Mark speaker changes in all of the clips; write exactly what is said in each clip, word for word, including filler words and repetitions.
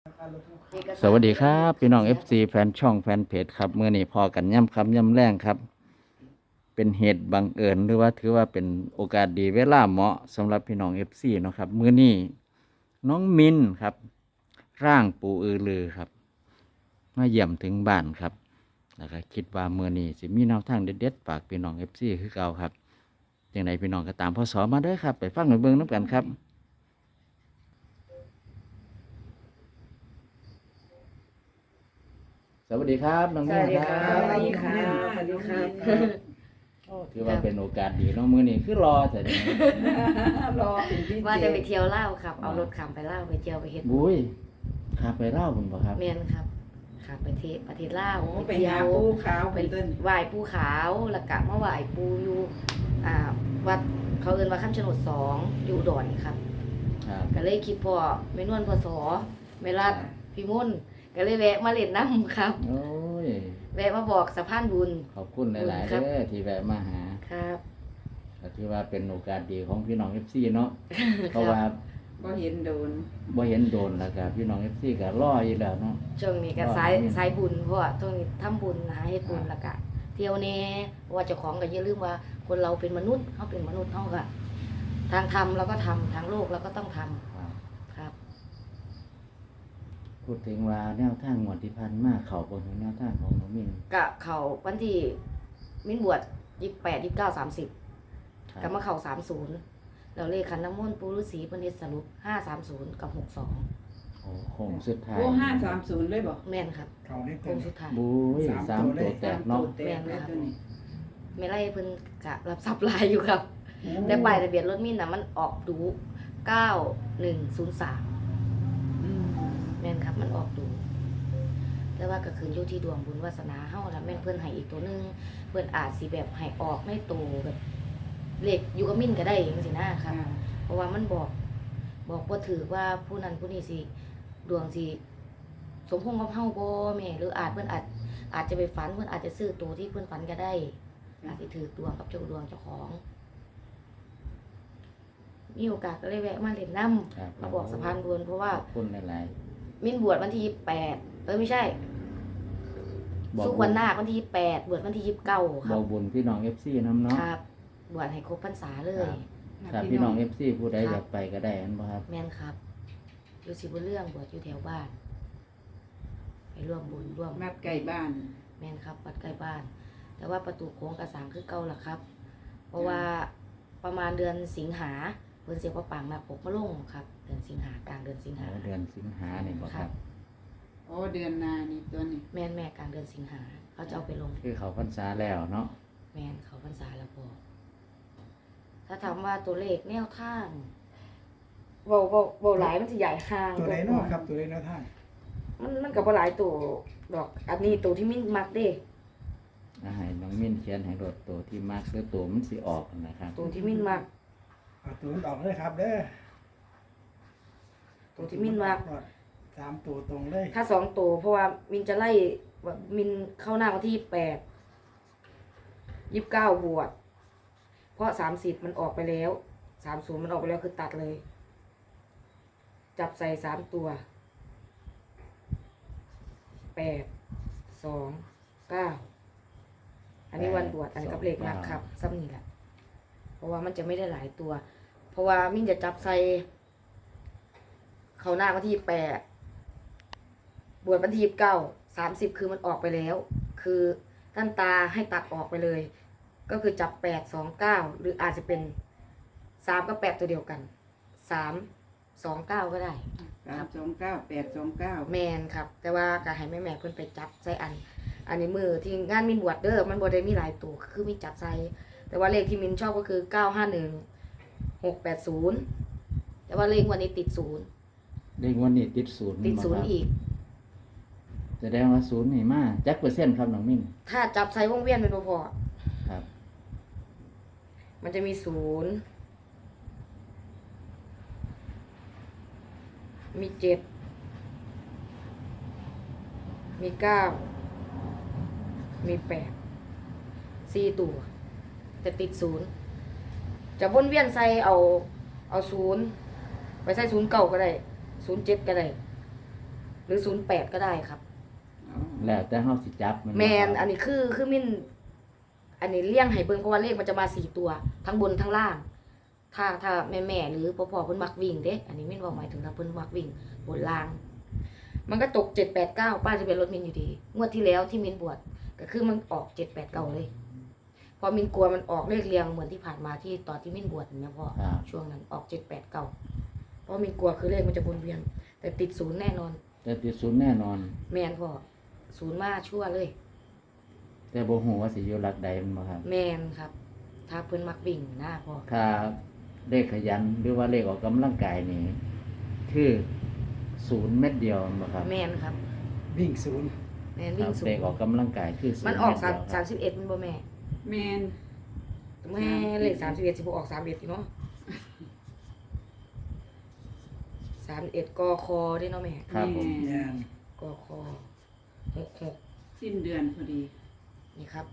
Speaker 1: สวัสดีครับพี่น้อง เอฟ ซี แฟนช่องแฟนเพจครับเมื่อนี้พอกันย่ำคำย่ำแรงครับ เป็นเหตุบังเอิญหรือว่าถือว่าเป็นโอกาสดีเวลาเหมาะสำหรับพี่น้อง เอฟ ซี เนาะครับเมื่อนี้น้องมินครับร่างปูอือลือครับมาเยี่ยมถึงบ้านครับแล้วก็คิดว่าเมื่อนี้สิมีแนวทางเด็ดๆฝากพี่น้อง เอฟ ซี คือเก่าครับอย่างไรพี่น้องก็ตามพ่อสอมาเด้อครับไปฟังไปเบิ่งน้ำกันครับสวัสดีครับน้อง
Speaker 2: ส
Speaker 1: มิ
Speaker 2: วัน สดี
Speaker 1: ค
Speaker 2: ค
Speaker 1: รั
Speaker 2: รับ
Speaker 1: บ
Speaker 2: สวัสดีค่ะสวัสดีครับ
Speaker 1: ถือว่าเป็นโอกาสดีเน้องมือนี่คือรอแต่เดี๋ยวนี้
Speaker 2: รอเป็นพิเศษ
Speaker 3: ว่าจะไปเที่ยวเล่าวครับ เอารถขับไปเล่าวไปเที่ยวไปเฮ็ด
Speaker 1: บุ้ยขับไปเล่าคุณป่ะครับ
Speaker 3: เมียนครับขับไปเทศประเทศลาว
Speaker 2: โอ้ไป
Speaker 3: เที่
Speaker 2: หา
Speaker 3: ยว
Speaker 2: ปูขาว
Speaker 3: ไป
Speaker 2: เป็นต้น
Speaker 3: ไหว้ปูขาวแล้วก็มาไหว้ปูอยู่อ่าวัดเขาเอิ้นว่าคำชะโนดสองอยู่อุดรครับ
Speaker 1: ครับ
Speaker 3: ก็เลยคิดพ่อแม่นวลพศแม่รัดพี่มุ่นก็เลยแวะมาเล่นน้ำครับ
Speaker 1: โอ้ย
Speaker 3: แวะมาบอกสะพานบุญ
Speaker 1: ขอบคุณหลาย ๆ
Speaker 3: ครั
Speaker 1: เด้
Speaker 3: บ
Speaker 1: อที่แวะมาหา
Speaker 3: ครับ
Speaker 1: ก็ถือว่าเป็นโอกาสดีของพี่น้องเอฟซีเนาะเพราะว่า
Speaker 2: ก็เห็นโดน
Speaker 1: บ่เห็นโดนแล้วก็พี่น้องเอฟซีก็รออยู่แล้วเนาะ
Speaker 3: ช่วงนี้ก็สายสายบุญเพราะว่าช่วงนี้ทำบุญหาเฮ็ดบุญแล้วก็เที่ยวแน่เพราะว่าเจ้าของก็อย่าลืมว่าคนเราเป็นมนุษย์เฮาเป็นมนุษย์เฮาก็ทางธรรมเราก็ทำทางโลกเราก็ต้องทำ
Speaker 1: ครับ
Speaker 3: ครับ
Speaker 1: พูดถึงว่าแนวทางงวดที่ผ่านมาเข้าบ่ถึงแนวทางของน้องมิน
Speaker 3: กะเขาวันที่มิ้นบวชยี่สิบแปดยี่สิบเก้าสามสิบ
Speaker 1: ครับ
Speaker 3: ก็มาเข่าสามศูนย์แล้วเลขขันน้ำมนต์ปูฤาษีเพิ่นเฮ็ดสรุปห้าสามศูนย์กับหกสอง
Speaker 1: โอ้โค้งสุดท้าย
Speaker 2: โอ้ห้าสามศูนย์เลยบอก
Speaker 3: แม่นครับ
Speaker 4: เขาได้
Speaker 3: โค้
Speaker 4: เต็
Speaker 3: ง
Speaker 4: ม
Speaker 3: สุดท้าย
Speaker 1: บุ้ยสา
Speaker 4: สาม มตัว
Speaker 1: ตัว
Speaker 4: เลย
Speaker 1: แตกเนาะ
Speaker 2: แตกเลยตัวนี้
Speaker 3: ไม่ไล่เพิ่นกะรับทรัพย์ลายอยู่ครับ แต่ป้ายทะเบียนรถมิ้นน่ะมันออกดูเก้าหนึ่งศูนย์สาม
Speaker 2: อืม
Speaker 3: แม่นครับมันออกดู แต่ว่าก็คืออยู่ที่ดวงบุญวาสนาเฮาแล้วแม่นเพิ่นให้อีกตัวหนึงเพิ่นอาจสิแบบให้ออกในตัวแบบเลขอยู่กับมิ้นก็ได้จังซี่นะครับ
Speaker 2: อ่า
Speaker 3: เพราะว่ามันบอก บอกว่าถือว่าผู้นั้นผู้นี้สิดวงสิสมพงษ์กับเฮาบ่แม่หรืออาจเพิ่นอาจอาจจะไปฝันเพิ่นอาจจะซื้อตัวที่เพิ่นฝันก็ได้ อาจสิถือดวงกับเจ้าดวงเจ้าของ มีโอกาสก็เลยแวะมาเล่นน้ำ
Speaker 1: ครับ
Speaker 3: มาบอกสะพานบุญเพราะว่า
Speaker 1: ขอบคุณหลาย
Speaker 3: มิ้นบวชวันที่ยี่สิบแปดเออไม่ใช่
Speaker 1: ๆบอก
Speaker 3: สุขวันนาควันที่ยี่สิบแปดบวชวันที่ยี่สิบเก้าค
Speaker 1: บ
Speaker 3: รั
Speaker 1: อบ กบุญพี่น้องเอฟซีน้ำเนาะ
Speaker 3: ครับบวชให้ครบพรรษาเลย
Speaker 1: ถ้าพี่น้องเอฟซีผู้ใดอยากไปก็ได้อันบ่ครับ
Speaker 3: แม่นครับ อยู่สิบุญเรื่องบวชอยู่แถวบ้าน ไปร่วมบุญร่วม
Speaker 2: มัดไก่บ้าน
Speaker 3: แม่นครับวัดใกล้บ้าน แต่ว่าประตูโค้งกระสังคือเก่าล่ะครับ เพราะว่าประมาณเดือนสิงหาเพิ่นเสียพระปางมาปกมาลงครับ เดือนสิงหากลางเดือนสิงหา
Speaker 1: เดือนสิงหาเนี่ยบ่ครับ
Speaker 2: โอ้เดือนหนานี่ตัวนี้
Speaker 3: แม่นแม่กลางเดือนสิงหาเขาจะเอาไปลง
Speaker 1: คือเขาพรรษาแล้วเนาะ
Speaker 3: แม่นเขาพรรษาแล้วพอถ้าถามว่าตัวเลขแนวทางเบาเบาเบาหลายมันจะใหญ่ห่าง
Speaker 4: ตัวไหนเนาะครับตัวไหนเนาะท่าน
Speaker 3: มันมันกับบ่หลายตัวดอก อันนี้ตัวที่มิ้นมักเด้
Speaker 1: อาหารน้องมิ้นเขียนให้โดดตัวที่มากคือตัวมันสิออกนะครับ
Speaker 3: ตัวที่มิ้นมัก
Speaker 4: เอาตัวมันออกเลยครับเด้อ
Speaker 3: ตัวที่มิ้นมัก
Speaker 4: สามตัวตรงเลย
Speaker 3: ถ้าสองตัวเพราะว่ามินจะไล่ว่ามินเข้าหน้าวันที่ยี่สิบแปดยี่สิบเก้าบวชเพราะสามสิบมันออกไปแล้วสามศูนย์มันออกไปแล้วคือตัดเลย จับใส่สามตัวแปดสองเก้าอันนี้วันบวชอันนี้กับเลขนักครับซ้ำนี่แหละเพราะว่ามันจะไม่ได้หลายตัว เพราะว่ามินจะจับใส่เข้าหน้าวันที่แปด บวชวันที่ยี่สิบเก้าสามสิบคือมันออกไปแล้ว คือท่านตาให้ตัดออกไปเลย ก็คือจับแปดสองเก้าหรืออาจจะเป็นสามกับแปดตัวเดียวกันสามสองเก้าก็ได้
Speaker 2: สามสองเก้าแปดสองเก้า
Speaker 3: แมนครับ แต่ว่าก็ให้แม่แม่ๆเพิ่นไปจับใส่อัน อันนี้มือที่งานมินบวชเด้อมันบ่ได้มีหลายตัวคือมีจับใส่แต่ว่าเลขที่มินชอบก็คือเก้าห้าหนึ่งหกแปดศูนย์แต่ว่าเลขวันนี้ติดศูนย์
Speaker 1: เลขวันนี้ติดศูนย์
Speaker 3: ติดศูนย์อีก
Speaker 1: แสดงว่าศูนย์นี่มาจักเปอร์เซ็นต์ครับน้องมิ้น
Speaker 3: ถ้าจับใส่วงเวียนเป็นพอ
Speaker 1: ครับ
Speaker 3: ๆมันจะมีศูนย์มีเจ็ดมีเก้ามีแปดสี่ตัวแต่ติดศูนย์จะวนเวียนใส่เอาเอาศูนย์ไปใส่ศูนย์เก่าก็ได้ศูนย์เจ็ดก็ได้รือศูนย์แปดก็ได้ครับ
Speaker 2: อ๋อ
Speaker 1: แล้วแต่เฮาสิจับมันบ่
Speaker 3: แมน
Speaker 1: ครับ
Speaker 3: อันนี้คือคือมินอันนี้เลี่ยงให้เบิ่งเพราะว่าเลขมันจะมาสี่ตัว ทั้งบนทั้งล่าง ถ้าถ้าแม่แม่ๆหรือพ่อพ่อเพิ่นมักวิ่งเด้อันนี้มินบอกหมายถึงถ้าเพิ่นมักวิ่งบนล่าง มันก็ตกเจ็ดแปดเก้าป้ายทะเบียนรถมินอยู่ดีงวดที่แล้วที่มินบวชก็คือมันออกเจ็ดแปดเก้าเลยพอมินกลัวมันออกเลขเรียงเหมือนที่ผ่านมาที่ตอนที่มินบวชเห็นไหมพ่อ
Speaker 1: ครับ
Speaker 3: ช่วงนั้นออกเจ็ดแปดเก้าเพราะมินกลัวคือเลขมันจะวนเวียน แต่ติดศูนย์แน่นอน
Speaker 1: แต่ติดศูนย์แน่นอน
Speaker 3: แมนพ่อศูนย์มาชั่วเลย
Speaker 1: แต่บ่ฮู้ว่าสิอยู่หลักใดมันบ่ครับ
Speaker 3: แมนครับ ถ้าเพิ่นมักวิ่งหน้าพ่อ
Speaker 1: ถ้าเลขขยันหรือว่าเลขออกกำลังกายนี่คือศูนย์เม็ดเดียวมันบ่ครับ
Speaker 3: แมนครับ
Speaker 4: วิ่งศูนย์
Speaker 3: แมน
Speaker 1: ค
Speaker 3: วิ่
Speaker 1: รั
Speaker 3: ง
Speaker 1: บ
Speaker 3: ศู
Speaker 1: เล
Speaker 3: น
Speaker 1: ข
Speaker 3: ย์
Speaker 1: ออกกำลังกายคือศูนย์
Speaker 3: มันออกสาม
Speaker 1: เม็ดเดียวค
Speaker 3: สา
Speaker 1: รั
Speaker 3: ม
Speaker 1: บ
Speaker 3: สิบเอ็ดมันบ่แม่
Speaker 2: แมน
Speaker 3: แม่เลขสามสิบเอ็ดสิบออกสามเอ็ดเนาะสามเอ็ดกอคอได้เนาะแม่
Speaker 1: ครับผม
Speaker 2: แม่
Speaker 4: แม่น
Speaker 3: กอคอหกหก
Speaker 2: สิ้นเดือนพอดี
Speaker 3: นี่ครับ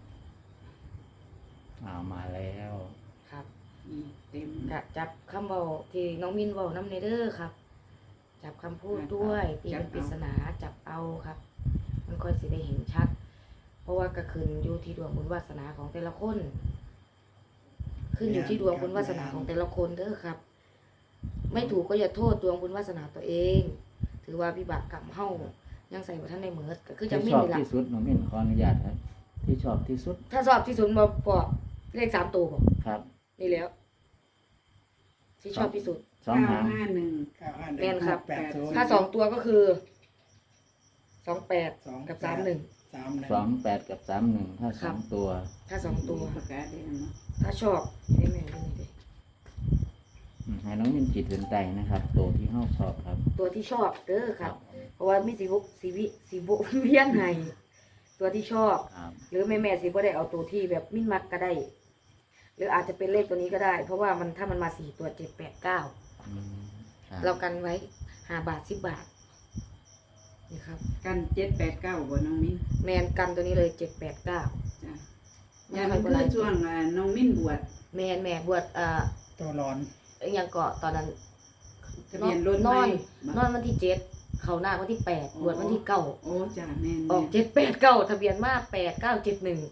Speaker 1: เอามาแล้ว
Speaker 3: ครับ
Speaker 2: นี่เต็ม
Speaker 3: กะจับคำเบาที่น้องมินเบาน้ำเนเดอร์ครับ จับคำพูดด้วยตีเป็นปริศนาจับเอาครับ มันค่อยสิได้เห็นชัด เพราะว่ากระคืนอยู่ที่ดวงบุญวาสนาของแต่ละคน ขึ้นอยู่ที่ดวงบุญวาสนาของแต่ละคนเด้อครับ ไม่ถูกก็อย่าโทษดวงบุญวาสนาตัวเอง ถือว่าวิบากกรรมเฮายังใส่ไว้ท่านในเหมือดก็คือจะ
Speaker 1: ที่
Speaker 3: ไม่
Speaker 1: ชอบ
Speaker 3: มีหลัก
Speaker 1: ที่สุดน้องมิ้นขออนุญาตครับ ที่ชอบที่สุด
Speaker 3: ถ้าสอบที่สุดมาปอเลขสามตัวบอก
Speaker 1: ครับ
Speaker 3: นี่แล้ว ที่ชอบที่สุด
Speaker 1: สอง
Speaker 2: เก้า
Speaker 1: หาง
Speaker 2: ห้าหนึ่ง
Speaker 4: เก้าห้าหนึ่ง
Speaker 3: แม่นครับ
Speaker 4: แปดศูนย์
Speaker 3: ถ้าสองตัวก็คือสองแปด
Speaker 4: สอง
Speaker 3: กับสามหนึ่ง
Speaker 4: สามหนึ่ง
Speaker 1: สองแปดกับสามหนึ่งถ้า
Speaker 3: ครั
Speaker 1: สอบ งตัว
Speaker 3: ถ้าสองตัว
Speaker 2: ประกาศได้แล้วเนาะ
Speaker 3: ถ้าชอบให้แม่ดูนี่ดิ
Speaker 1: อืมให้น้องมิ้นจิตเห็นใจนะครับ ตัวที่เฮาชอบครับ
Speaker 3: ตัวที่ชอบเด้อครับ เพราะว่ามีสีบุสีวิสีบุเวียนให้ตัวที่ชอบ
Speaker 1: ครับ
Speaker 3: หรือแม่แม่ๆสิบ่ได้เอาตัวที่แบบมิ้นมักก็ได้ หรืออาจจะเป็นเลขตัวนี้ก็ได้ เพราะว่ามันถ้ามันมาสี่ตัวเจ็ดแปดเก้า
Speaker 1: อืมครับ
Speaker 3: เรากันไว้ห้าบาทสิบบาทนี่ครับ
Speaker 2: กันเจ็ดแปดเก้าบ่น้องมิ้น
Speaker 3: แมนกันตัวนี้เลยเจ็ดแปดเก้า
Speaker 2: จ้ะยามันคือช่วงอ่าน้องมิ้นบวช
Speaker 3: แมนแม่บวชเอ่อ
Speaker 4: ตัวร้อน
Speaker 3: อหยังเกาะตอนนั้น
Speaker 2: ทะเบียนรถ
Speaker 3: น
Speaker 2: ไหม
Speaker 3: อน
Speaker 2: บ่
Speaker 3: นอนวันที่เจ็ดเขาหน้าวันที่แปดบวชวันที่เก้า
Speaker 2: โอ้จ้ะแม่น
Speaker 3: ออกเจ็ดแปดเก้าทะเบียนมาแปดเก้าเจ็ดหนึ่ง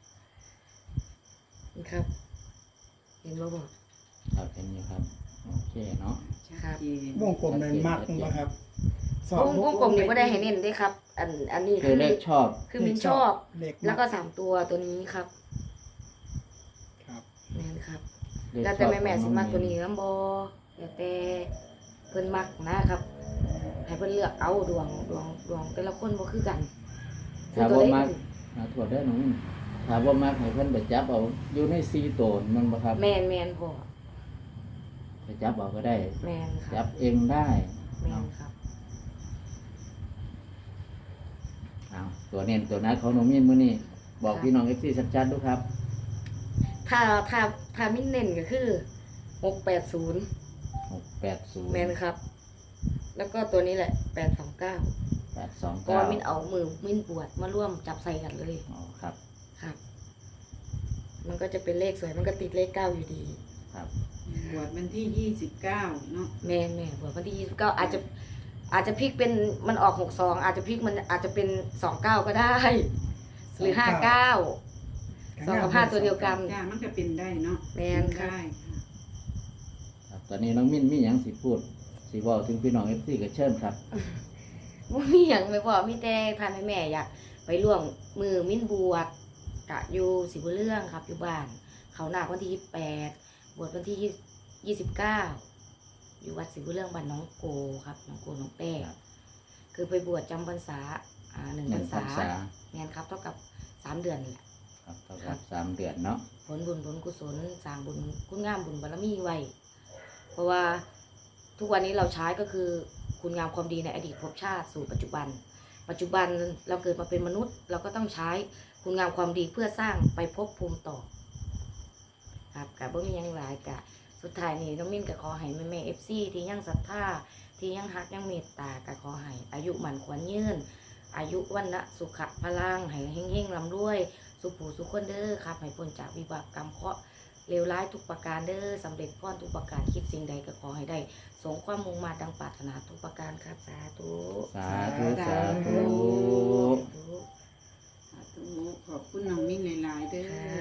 Speaker 3: นี่ครับ เห็นบ่บอก
Speaker 1: ครับเห็นอยู่ครับ โอเคเนาะ
Speaker 2: ชัดเจน
Speaker 4: วงกลมเลยมากมั้งครับสอ
Speaker 3: ว
Speaker 4: บ
Speaker 3: งวงกลมนี่ก็ได้ให้เน้นด้วยครับ อันอันนี้
Speaker 1: คื
Speaker 3: คือ อ
Speaker 1: เลขชอบ
Speaker 3: คือมินชอบ
Speaker 4: เลข
Speaker 3: แล้วก็สามตัวตัวนี้ครับ
Speaker 4: ครับ
Speaker 3: แม่นครับ
Speaker 1: เลข
Speaker 3: แล้ว
Speaker 1: ช
Speaker 3: แต่
Speaker 1: อบ
Speaker 3: แม่แม่
Speaker 1: ข
Speaker 3: สิ
Speaker 1: อง
Speaker 3: มัก
Speaker 1: อง
Speaker 3: ตัวนี้น้ำบอแล้วแต่เพิ่นมักนะครับ ให้เพิ่นเลือกเอาดวงดวงดวงแต่ละคนบ่คือกัน
Speaker 1: ถ้าบ่มักอ่าถั่วได้อน้องมิ้นถ้าบ่มักให้เพิ่นไปจับเอาอยู่ในสี่ตัวมันบ่ครับ
Speaker 3: แม่นแม่นพ่อ
Speaker 1: ไปจับเอาก็ได้
Speaker 3: แม่นค
Speaker 1: จั
Speaker 3: รับบ
Speaker 1: เองได้
Speaker 3: แม่นครับ
Speaker 1: เอาตัวเน้นตัวนัดของน้องมิ้นมื้อนี้บอกพี่น้อง เอฟ ซี ชัดๆดูครับ
Speaker 3: ถ้าถ้าถ้ามินเน้นก็คือหกแปดศูนย์
Speaker 1: หกแปดศูนย์
Speaker 3: แม่นครับ แล้วก็ตัวนี้แหละแปดสองเก้า
Speaker 1: แปดสอง
Speaker 3: เพราะ
Speaker 1: เก้า
Speaker 3: ว่ามินเอามือมินปวดมาร่วมจับใส่กันเลย
Speaker 1: อ๋อครับ
Speaker 3: ครับ มันก็จะเป็นเลขสวยมันก็ติดเลขเก้าอยู่ดี
Speaker 1: ครับ
Speaker 2: บวชวันที่ยี่สิบเก้าเนาะ
Speaker 3: แม่นแม่บวชวันที่ยี่สิบเก้าอาจจะอาจจะพลิกเป็นมันออกหกสองอาจจะพลิกมันอาจจะเป็นสองเก้าก็ได้ หรือห้าเก้าสองกับห้าตัวเดียวกัน
Speaker 2: จ้ามันก็เป็นได้เนาะ
Speaker 3: แม่นค่ะ
Speaker 2: ได้ค่ะ
Speaker 1: ครับ ตอนนี้น้องมิ้นมีหยังสิพูดสิเว้าถึงพี่น้อง เอฟ ซี ก็เชิญครับ
Speaker 3: ว่ามีอย่างไม่พอมีแต่พาแม่แม่อยากไปร่วมมือมิ้นบวชกะอยู่สิบุญเรื่องครับอยู่บ้าน เขาหนักวันที่ยี่สิบแปดบวชวันที่ยี่สิบเก้าอยู่วัดสิบุญเรื่องบ้านน้องโกครับน้องโกน้องแป้คือไปบวชจำพรรษาอ่าหนึ่ง
Speaker 1: ห
Speaker 3: พร
Speaker 1: นึ่
Speaker 3: รง
Speaker 1: พร
Speaker 3: ษาร
Speaker 1: ษา
Speaker 3: แม่นครับเท่ากับสามเดือนนี่แหละ
Speaker 1: ครับเท่ากับสามเดือนเนาะ
Speaker 3: ผลบุญผลกุศลสร้างบุญคุณงามบุญบารมีไว้ เพราะว่าทุกวันนี้เราใช้ก็คือคุณงามความดีในอดีตภพชาติสู่ปัจจุบัน ปัจจุบันเราเกิดมาเป็นมนุษย์ เราก็ต้องใช้คุณงามความดีเพื่อสร้างไปภพภูมิต่อครับกับบ่มีหยังหลายกะสุดท้ายนี้น้องมิ้นก็ขอให้แม่แม่เอฟซีที่ยังศรัทธาที่ยังฮักยังเมตตาก็ขอให้อายุหมันขวัญยืนอายุวันนะสุขะพลังให้เฮงๆลำรวย สุขผู้สุขคนเด้อครับให้พ้นจากวิบากกรรมเคราะห์เลวร้ายทุกประการเด้อสำเร็จพรทุกประการคิดสิ่งใดก็ขอให้ได้สมความมุ่งมาดังปรารถนาทุกประการครับสาธุ
Speaker 1: สาสาธุ
Speaker 2: สาธุขอบคุณน้องมิ้นหลายๆเด้อ